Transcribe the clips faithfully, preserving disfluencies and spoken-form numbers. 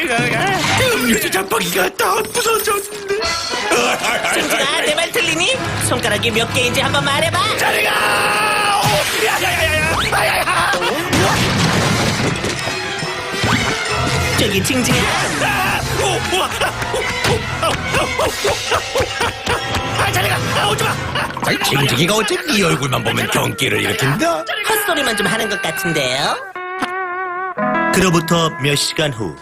음료수 장바기가 다 부서졌네. 징징아, 내 말 들리니? 손가락이 몇 개인지 한번 말해봐. 자리가! 야야야야! 야야야! 저기 징징아. 아! 오! 우와! 아, 자리가! 아, 오지 마! 아니, 징징이가 어째 네 얼굴만 보면 경기를 일으킨다? 헛소리만 좀 하는 것 같은데요? 그로부터 몇 시간 후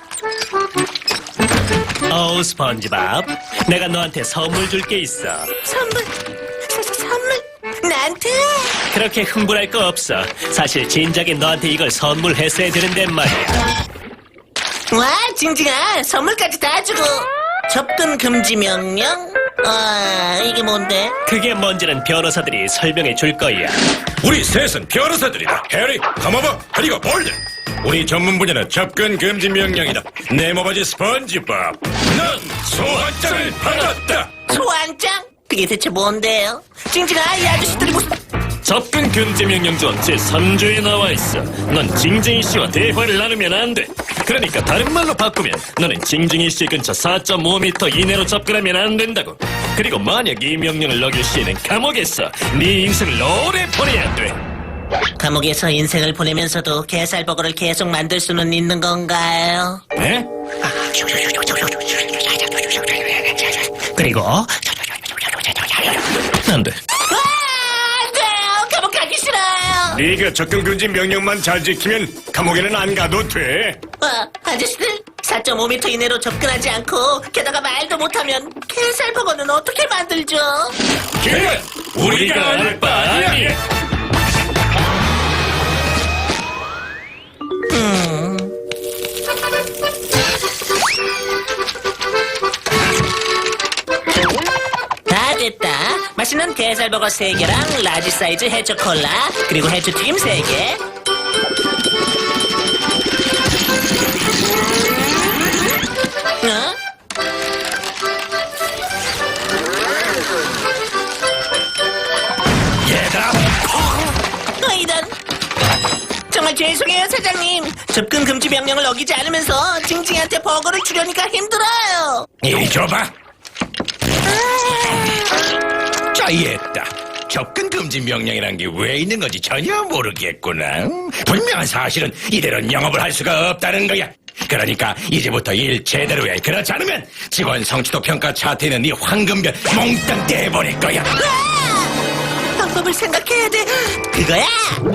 어우, 스펀지밥. 내가 너한테 선물 줄 게 있어. 선물, 서, 서, 선물, 나한테? 그렇게 흥분할 거 없어. 사실 진작에 너한테 이걸 선물했어야 되는데 말이야. 와, 징징아, 선물까지 다 주고. 접근 금지 명령? 아, 이게 뭔데? 그게 뭔지는 변호사들이 설명해 줄 거야. 우리 셋은 변호사들이다. 해리, 가마바, 그리고 볼드. 우리 전문 분야는 접근 금지 명령이다. 네모바지 스펀지밥. 넌 소환장을 받았다. 소환장? 그게 대체 뭔데요? 징징아, 이 아저씨들이 무슨... 접근 금지 명령조 제삼 조에 나와 있어. 넌 징징이 씨와 대화를 나누면 안 돼. 그러니까 다른 말로 바꾸면 너는 징징이 씨 근처 사 점 오 미터 이내로 접근하면 안 된다고. 그리고 만약 이 명령을 어길 시에는 감옥에서 네 인생을 오래 보내야 돼. 감옥에서 인생을 보내면서도 게살버거를 계속 만들 수는 있는 건가요? 네? 그리고 안 돼. 아, 안 돼요! 감옥 가기 싫어요! 네가 접근 금지 명령만 잘 지키면 감옥에는 안 가도 돼. 아, 아저씨들, 사 점 오 미터 이내로 접근하지 않고 게다가 말도 못하면 게살버거는 어떻게 만들죠? 그래, 우리가 알 바 아니야. 다 됐다. 맛있는 게살버거 세 개랑 라지 사이즈 해초 콜라 그리고 해초 튀김 세 개. 어? 얘들아, 어, 이런. 정말 죄송해요, 사장님. 접근 금지 명령을 어기지 않으면서 징징이한테 버거를 주려니까 힘들어요. 이리 줘봐. 짜이했다. 접근 금지 명령이란 게 왜 있는 건지 전혀 모르겠구나. 분명한 사실은 이대로는 영업을 할 수가 없다는 거야. 그러니까 이제부터 일 제대로 해. 그렇지 않으면 직원 성취도 평가 차트에 있는 네 황금별 몽땅 떼버릴 거야. 방법을 생각해야 돼. 그거야.